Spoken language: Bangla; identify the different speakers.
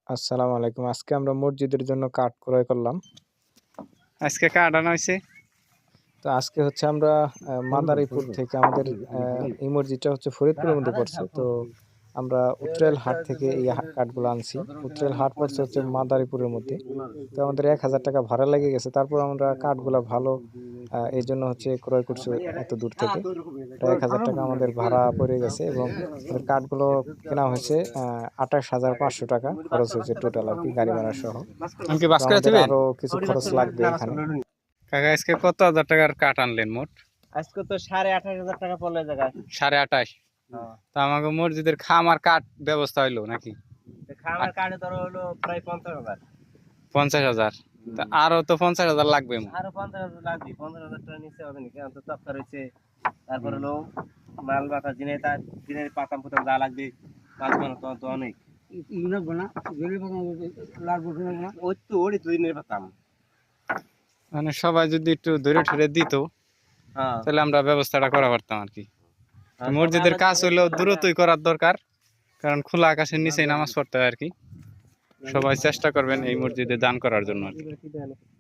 Speaker 1: আসসালামু আলাইকুম। আজকে আমরা মসজিদের জন্য কাঠ ক্রয় করলাম।
Speaker 2: আজকে কাঠ আনা হয়েছে।
Speaker 1: তো আজকে হচ্ছে আমরা মাদারীপুর থেকে আমাদের এই মসজিদটা হচ্ছে ফরিদপুরের মধ্যে পড়ছে। তো আমরা উত্তরাইল হাট থেকে এই কাঠগুলো আনছি। উত্তরাইল হাট পড়ছে হচ্ছে মাদারীপুরের মধ্যে। তো আমাদের ১,০০০ টাকা ভাড়া লেগে গেছে। তারপর আমরা কাঠগুলা ভালো এই জন্য হচ্ছে ক্রয় করছি এত দূর থেকে। প্রায় ১,০০০ টাকা আমাদের ভাড়া পড়ে গেছে এবং আমাদের কাঠগুলো কেনা হয়েছে ২৮,৫০০ টাকা খরচ হয়েছে টোটাল আর কি গাড়ি ভাড়া সহ।
Speaker 2: আমাকে
Speaker 1: তো
Speaker 2: বাস করে
Speaker 1: আমাদের
Speaker 2: দিবেন
Speaker 1: আরো কিছু খরচ লাগবে এখানে।
Speaker 2: কাকা। আজকে কত হাজার টাকার কাঠ আনলেন মোট?
Speaker 3: আজকে তো 28,500 টাকা পড়লো জায়গায়।
Speaker 2: ২৮,৫০। তো আমাকে মসজিদের খামার কাঠ ব্যবস্থা হইলো নাকি?
Speaker 3: খামার কাঠে ধরো হলো প্রায় 50,000।
Speaker 2: ৫০,০০০। তা আরো তো ৫০,০০০ লাগবে।
Speaker 3: আরো 50,000 লাগবে। 50,000 টাকা নিচে হবে নাকি? তো তক্তা রয়েছে, তারপর হলো মাল বাতা দিনের পাতাম পুতাম যা লাগবে, মাছ বানাতো তো অনেক ওই তো ওরই তো দিনের পাতাম।
Speaker 2: মানে সবাই যদি একটু ধরে ঠেরে দিত তাহলে আমরা ব্যবস্থাটা করা পারতাম আর কি। মসজিদের কাজ হইলেও দ্রুতই করার দরকার, কারণ খোলা আকাশের নিচেই নামাজ পড়তে হয় আর কি। সবাই চেষ্টা করবেন এই মসজিদে দান করার জন্য আর কি।